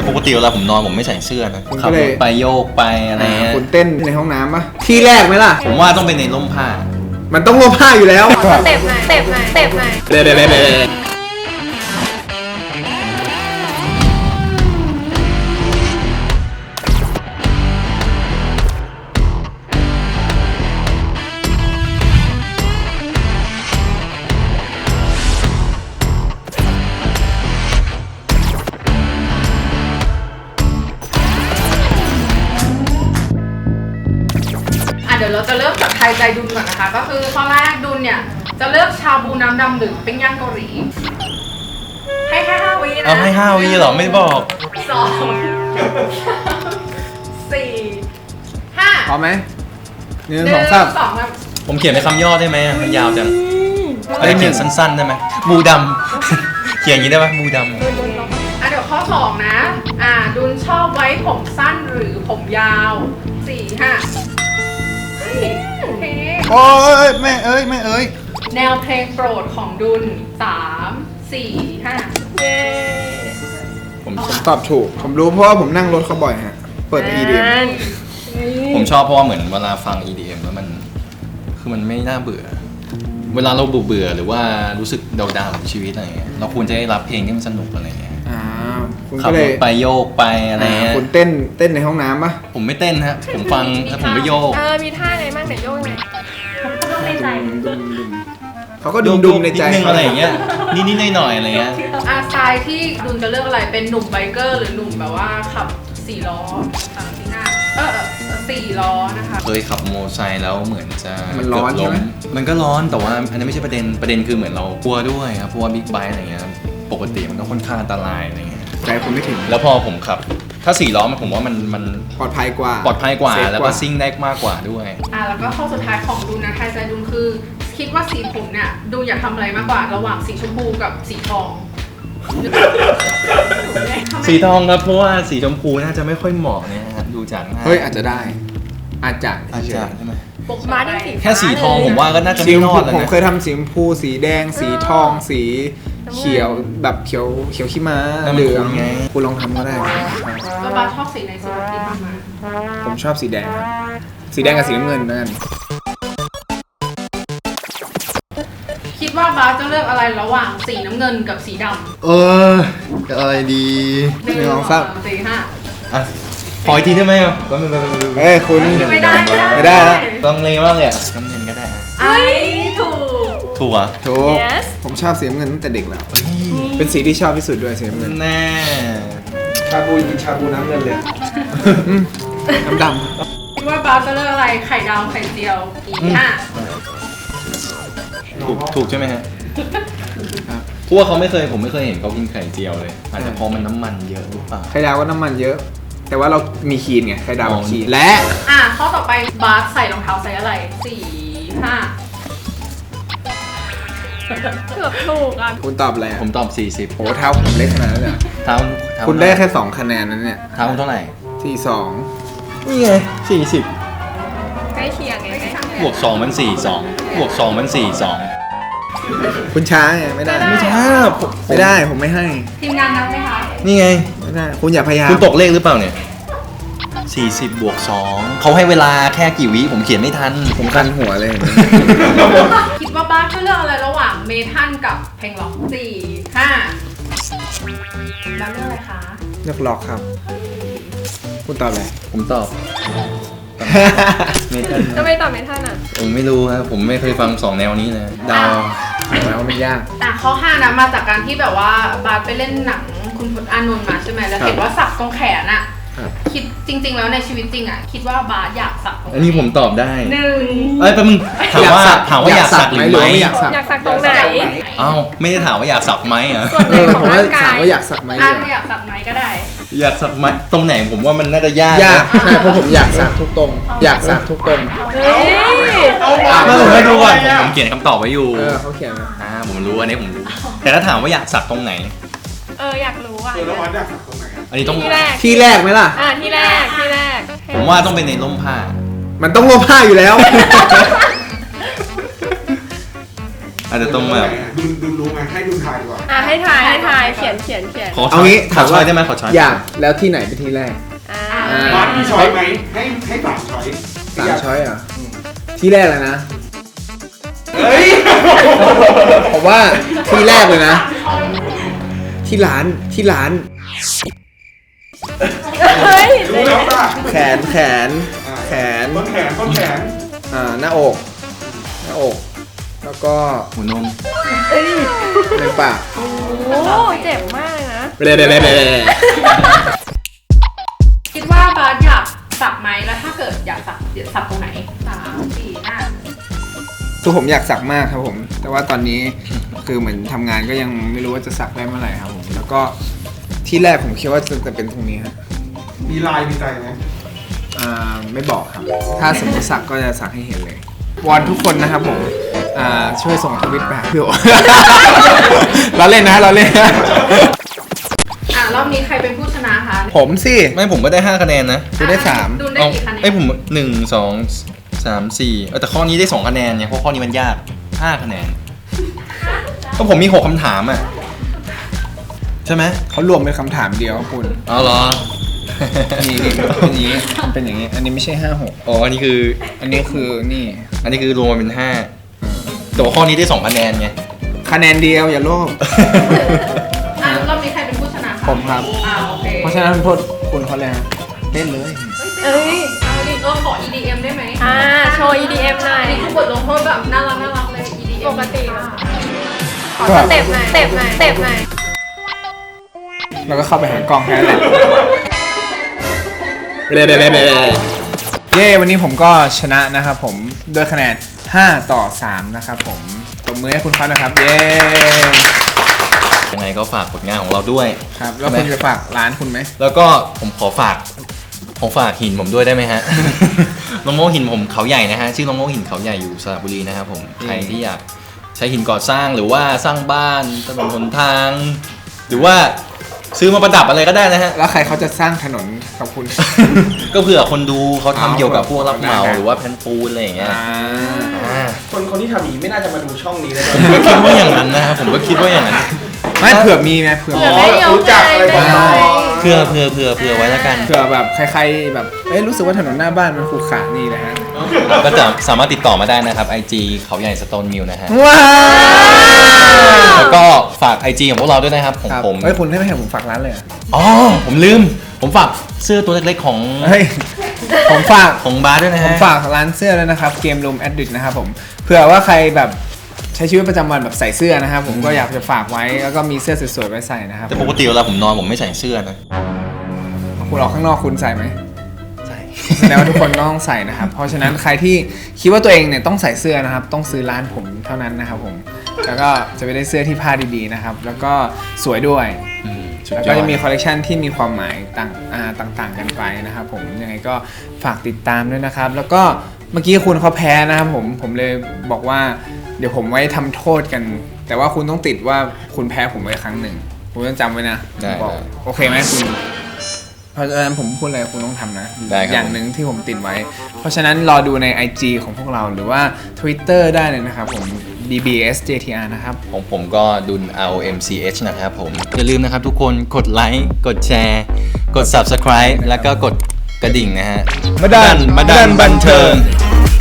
ปกติเวลาผมนอนผมไม่ใส่เสื้อนะขับรถไปโยกไปอะไรเงี้ยคุณเต้นในห้องน้ำปะที่แรกไหมล่ะผมว่าต้องเป็นในร่มผ้ามันต้องร่มผ้าอยู่แล้วสเต็ปไหนเดี๋ยวเราจะเริ่มจากทายใจดุลก่อนนะคะก็คือข้อแรกดุลเนี่ยจะเลือกชาบูน้ำดำหรือปิ้งย่างเกาหลีให้แค่5 วินะเอาให้5 วิเหรอไม่บอก 2 4 5 พร้อมไหม1 2 3 ครับผมเขียนเป็นคำย่อได้ไหมมันยาวจังอะไรเขียนสั้นๆได้ไหมบูดำเขียนอย่างนี้ได้ไหมบูดำเดี๋ยวข้อ2นะดุลชอบไว้ผมสั้นหรือผมยาว4 5โอเคโอ้ยแม่เอ้ยแนวเพลงโปรดของดุล3 4 5 ผมตอบถูกผมรู้เพราะว่าผมนั่งรถเขาบ่อยฮะเปิด EDM ผมชอบเพราะว่าเหมือนเวลาฟัง EDM แล้วมันคือมันไม่น่าเบื่อเวลาเราเบื่อหรือว่ารู้สึกดาวๆกับชีวิตอะไรเงี้ยเราควรจะได้รับเพลงที่มันสนุกอะไรเงี้ยคุณขับรถไปโยกไปอะไรเงี้ยคุณเต้นในห้องน้ำปะผมไม่เต้นฮะผมฟังแล้วผมไปโยกมีท่าไงบ้างเดี๋ยวโยกไงโยกในใจเขาก็ดุมในใจอะไรอย่างเงี้ยนิดๆหน่อยๆอะไรเงี้ยสไตล์ที่ดุลจะเลือกอะไรเป็นหนุ่มไบเกอร์หรือหนุ่มแบบว่าขับ4 ล้อ3 ที่หน้า4 ล้อนะคะเคยขับโมอไซค์แล้วเหมือนจะมันร้อนใช่ไหมมันก็ร้อนแต่ว่าอันนั้นไม่ใช่ประเด็นคือเหมือนเรากลัวด้วยครับเพราะว่าบิ๊กไบค์อะไรเงี้ยปกติมันก็ค่อนข้างอันตรายอะไรเงี้ยใจคุณไม่ถึงแล้วพอผมขับถ้า4 ล้อผมว่ามันปลอดภัยกว่าแล้วก็ซิ่งได้มากกว่าด้วยแล้วก็ข้อสุดท้ายของดุลนะทายใจดุลคือคิดว่าสีผมเนี่ยดุลอยากทำอะไรมากกว่าระหว่างสีชมพูกับสีทองสีทองครับเพราะว่าสีชมพูน่าจะไม่ค่อยเหมาะเนี่ยดูจากหน้าเฮ้ยอาจจะใช่ไหมปกมาแค่สีทองผมว่าก็น่าจะไม่รอดแล้วนะผมเคยทำสีชมพูสีแดงสีทองสีเขียวแบบเขียวขี้ม้าเหลืองคุณลองทำก็ได้แล้วบาชอบสีไหนสีที่ทำมาผมชอบสีแดงสีแดงกับสีน้ำเงินนั่นคิดว่าบาสจะเลือกอะไรระหว่างสีน้ำเงินกับสีดำจะอะไรดี 1 2 3 4 5 ขออีกทีได้ไหมครับคุณไม่ได้ต้องเลมากเลยน้ำเงินก็ได้ถูกผมชอบสีน้ำเงินตั้งแต่เด็กแล้วเป็นสีที่ชอบที่สุดด้วยสีน้ำเงินแน่ชาบูน้ำเงินเลยน้ำดำคิดว่าบาสจะเลือกอะไรไข่ดาวไข่เจียวถูกใช่ไหมฮะเพราะว่าผมไม่เคยเห็นเขากินไข่เจียวเลยอาจจะเพราะมันน้ำมันเยอะหรือเปล่าไข่ดาวก็น้ำมันเยอะแต่ว่าเรามีคีนไงไข่ดาวคีนและข้อต่อไปบาสใส่รองเท้าไซส์อะไร4 5เกือบถูกคุณตอบอะไรผมตอบ40 โอ้เท้าผมเล็กขนาดนั้นเลยเท้าคุณได้แค่2 คะแนนนั้นเนี่ยเท้าเท่าไหร่ 42 นี่ไง40 ใกล้เคียงไงบวก2มัน42บวก2มัน42 คุณช้าไงไม่ได้ผมไม่ให้ทีมงานนับไหมคะนี่ไงไม่ได้คุณอย่าพยายามคุณตกเลขหรือเปล่าเนี่ย40บวก2เขาให้เวลาแค่กี่วิผมเขียนไม่ทันผมคันหัวเลยคิดว่าบ้านจะเลือกอะไรระหว่างเมทัลกับเพลงล็อก4 5แล้วเลือกอะไรคะเลือกล็อกครับคุณตอบอะไรผมตอบเมทัลทำไมตอบเมทัลผมไม่รู้ครับผมไม่เคยฟัง2 แนวนี้เลยดาวแล้วมันยากข้อ5นะมาจากการที่แบบว่าบาสไปเล่นหนังคุณพจน์อานนท์มาใช่ไหมแล้วเห็นว่าสักตรงแขนคิดจริงๆแล้วในชีวิตจริงคิดว่าบาสอยากสักตรงไหนอันนี้ผมตอบได้ 1 แป๊บนึงถามว่าอยากสักหรือไม่อยากสักตรงไหนไม่ได้ถามว่าอยากสักไหมผมว่าถามว่าอยากสักไหมอยากสักไหมก็ได้อยากสักไหมตรงไหนผมว่ามันน่าจะยากใช่เพราะผมอยากสักทุกตรงอยากสักทุกตรงผมให้ดูก่อนผมเขียนคำตอบไว้อยู่เขาเขียนผมรู้อันนี้ผมรู้แต่ถ้าถามว่าอยากสักตรงไหนอยากรู้แล้ววัดอยากสักตรงไหนอันนี้ต้องที่แรกไหมล่ะที่แรกผมว่าต้องเป็นในร่มผ้ามันต้องร่มผ้าอยู่แล้วอาจจะต้องแบบดูรู้ไหมให้ดูถ่ายดีกว่าให้ทายเขียนขอเอางี้ขอช้อยได้ไหมขอช้อยอยากแล้วที่ไหนเป็นที่แรกบาสมีช้อยไหมให้สามช้อย 3 ช้อยเหรอ่ะที่แรกเลยนะเฮ้ยผมว่าที่แรกเลยนะ ที่ร้านเฮ้ยรู้แล้วป่ะแขนต้นแขนหน้าอก แล้วก็หัวนมในปากโอ้เจ็บมากเลยนะคิดว่าบาสอยากสักไหมแล้วถ้าเกิดอยากสักเดี๋ยวสักตรงไหน3 4 5 คือผมอยากสักมากครับผม แต่ว่าตอนนี้คือเหมือนทำงานก็ยังไม่รู้ว่าจะสักได้เมื่อไหร่ครับผม แล้วก็ที่แรกผมคิดว่าจะเป็นตรงนี้ครับมีลายมีใจไหมไม่บอกครับ ถ้าสมมติสักก็จะสักให้เห็นเลยวอนทุกคนนะครับผมช่วยส่งทวิตไปหาพี่โอ เราเล่นนะเราเล่นนะรอบนี้ใครเป็นผู้ชนะคะผมสิไม่ผมก็ได้5คะแนนนะคุณได้3 ดูได้กี่คะแนนผม1 2 3 4แต่ข้อนี้ได้2คะแนนเนี่ยเพราะข้อนี้มันยาก5คะแนนก็ผมมี6คำถามอ่ะใช่ไหมเขารวมเป็นคำถามเดียวคุณเอาเหรอนี่เป็นอย่างนี้ อันนี้ไม่ใช่5-6 อ๋ออันนี้คืออันนี้คือนี่อันนี้คือรวมมาเป็น5แต่ว่าข้อนี้ได้2คะแนนไงคะแนนเดียวอย่าโลภรอบนี้ใครเป็นผู้ชนะคะผมครับโอเคเพราะฉะนั้นโทษคุณเขาเลยฮะเล่นเลยเอ้ยเอาดิขอ EDM ได้ไหมโชว์ EDM หน่อยอันนี้คือบทลงโทษแบบน่ารักเลย EDM ปกติขอสเต็ปหน่อยแล้วก็เข้าไปหากล้องแค่นั้นแหละเย้วันนี้ผมก็ชนะนะครับผมด้วยคะแนน5-3นะครับผมตบมือให้คุณเขานะครับเย้ยังไงก็ฝากผลงานของเราด้วยครับแล้วคุณจะฝากร้านคุณไหมแล้วก็ผมขอฝากหินผมด้วยได้ไหมฮะ น้องโมหินผมเขาใหญ่นะฮะชื่อน้องโมหินเขาใหญ่อยู่สระบุรีนะครับผมใครที่อยากใช้หินก่อสร้างหรือว่าสร้างบ้านถนนหนทาง หรือว่าซื้อมาประดับอะไรก็ได้นะฮะแล้วใครเขาจะสร้างถนนกับคุณก็เผื่อคนดูเขาทำเกี่ยวกับพวกรับเหมาได้หรือว่าแผ่นปูนอะไรอย่างเงี้ยคนที่ทำอย่างนี้ไม่น่าจะมาดูช่องนี้เลยผมก็คิดว่าอย่างนั้นนะครับผมก็คิดว่าอย่างนั้นไม่เผื่อมีไงเผื่อเผื่อไม่ยอมรู้จักอะไรบ้างเผื่อไว้แล้วกันเผื่อแบบใครๆแบบรู้สึกว่าถนนหน้าบ้านมันขรุขระนี่นะฮะก็จะสามารถติดต่อมาได้นะครับ IG เขาใหญ่สโตนมิลนะฮะว้าวแล้วก็ฝาก IG ของพวกเราด้วยนะครับของครับผมเฮ้ยคุณให้ไม่ให้ผมฝากร้านเลยเหรออ๋อผมลืมผมฝากเสื้อตัวเล็กๆของเฮ้ยผมฝากของบาร์ด้วยนะผมฮะฝากร้านเสื้อแล้วนะครับเกมรูมแอดดิกนะครับผมเผื่อว่าใครแบบใช้ชีวิตประจำวันแบบใส่เสื้อนะครับผมก็อยากจะฝากไว้แล้วก็มีเสื้อสวยๆไว้ใส่นะครับแต่ปกติเวลาผมนอนผมไม่ใส่เสื้อนะคุณออกข้างนอกคุณใส่ไหมใส่แสดงว่าทุกคนต้องใส่นะครับเพราะฉะนั้นใครที่คิดว่าตัวเองเนี่ยต้องใส่เสื้อนะครับต้องซื้อร้านผมเท่านั้นนะครับผมแล้วก็จะไปได้เสื้อที่ผ้าดีๆนะครับแล้วก็สวยด้วยสุดแล้วยก็อดจะมีคอลเลกชันที่มีความหมายต่างๆกันไปนะครับผมยังไงก็ฝากติดตามด้วยนะครับแล้วก็เมื่อกี้คุณเขาแพ้นะครับผมเลยบอกว่าเดี๋ยวผมไว้ทำโทษกัน แต่ว่าคุณต้องติดว่าคุณแพ้ผมไว้ครั้งหนึ่งคุณต้องจำไว้นะบอกโอเคไหมคุณเพราะฉะนั้นผมพูดอะไรคุณต้องทำนะได้ครับอย่างหนึ่งที่ผมติดไว้ เพราะฉะนั้นรอดูใน IG ของพวกเราหรือว่า Twitter ได้เลยนะครับผม DBSJTR นะครับของผมก็ดุน ROMCH นะครับผมอย่าลืมนะครับทุกคนกดไลค์กดแชร์กด Subscribe แล้วก็กดกระดิ่งนะฮะมาดันบันเทิง